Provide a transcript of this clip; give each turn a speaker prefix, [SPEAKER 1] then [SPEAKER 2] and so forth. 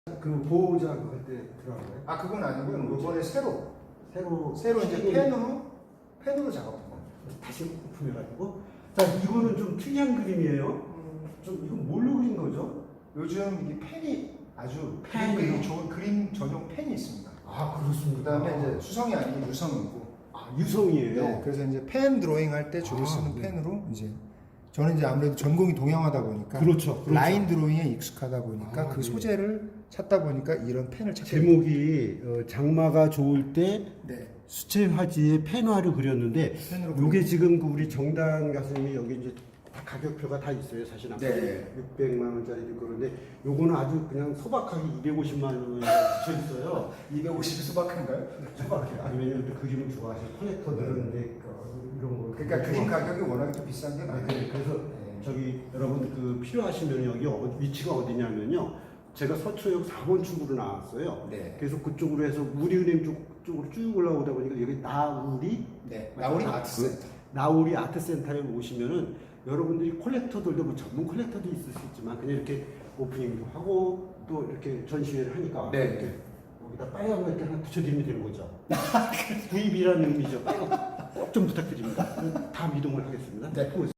[SPEAKER 1] 그 보호자 그때 들어가요?
[SPEAKER 2] 아 그건 아니고요. 이번에 새로 이제 펜으로 작업한 겁니다.
[SPEAKER 1] 다시 오픈해가지고. 자, 이거는 좀 특이한 그림이에요. 좀 이건 뭘로 그린 거죠?
[SPEAKER 2] 요즘 이 펜이 아주
[SPEAKER 1] 펜이요?
[SPEAKER 2] 그림 좋은 그림 전용 펜이 있습니다.
[SPEAKER 1] 아, 그렇습니다.
[SPEAKER 2] 그다음에 이제 수성이 아니고 유성이고.
[SPEAKER 1] 아, 유성이에요.
[SPEAKER 2] 네, 그래서 이제 펜 드로잉 할 때 주로 쓰는
[SPEAKER 1] 네.
[SPEAKER 2] 펜으로 이제 저는 이제 아무래도 전공이 동양화다 보니까
[SPEAKER 1] 그렇죠.
[SPEAKER 2] 라인 드로잉에 익숙하다 보니까 그
[SPEAKER 1] 네.
[SPEAKER 2] 소재를 찾다 보니까 이런 펜을 찾게
[SPEAKER 1] 제목이 장마가 좋을 때
[SPEAKER 2] 네.
[SPEAKER 1] 수채 화지에 펜화를 그렸는데
[SPEAKER 2] 펜으로
[SPEAKER 1] 요게 지금 그 우리 정당 가수님이 여기 이제 다 가격표가 다 있어요. 사실 아까
[SPEAKER 2] 네.
[SPEAKER 1] 600만 원짜리도 있고 그런데 요거는 아주 그냥 소박하게 250만 원에 붙여 있어요.
[SPEAKER 2] 250이 수박한가요?
[SPEAKER 1] 소박해. 아니면 또 그림을 좋아하시는 컬렉터들은 이제 이런 거.
[SPEAKER 2] 그러니까 그림 가격이 워낙에 또 비싼 게 많아요.
[SPEAKER 1] 그래서 저기 여러분 그 필요하시면 여기 위치가 어디냐면요. 제가 서초역 4번 출구로 나왔어요.
[SPEAKER 2] 네.
[SPEAKER 1] 그래서 그쪽으로 해서 우리은행 쪽으로 쭉 올라오다 보니까 여기 나우리
[SPEAKER 2] 네. 나우리 아트센터.
[SPEAKER 1] 나우리 아트센터에 오시면은 여러분들이 콜렉터들도 뭐 전문 콜렉터도 있을 수 있지만 그냥 이렇게 오프닝도 하고 또 이렇게 전시회를 하니까
[SPEAKER 2] 네.
[SPEAKER 1] 이렇게 여기다 빨간 거 이렇게 하나 붙여드리면 되는 거죠. 구입이라는 의미죠. 빨간 거 꼭 좀 부탁드립니다. 다 이동을 하겠습니다.
[SPEAKER 2] 네.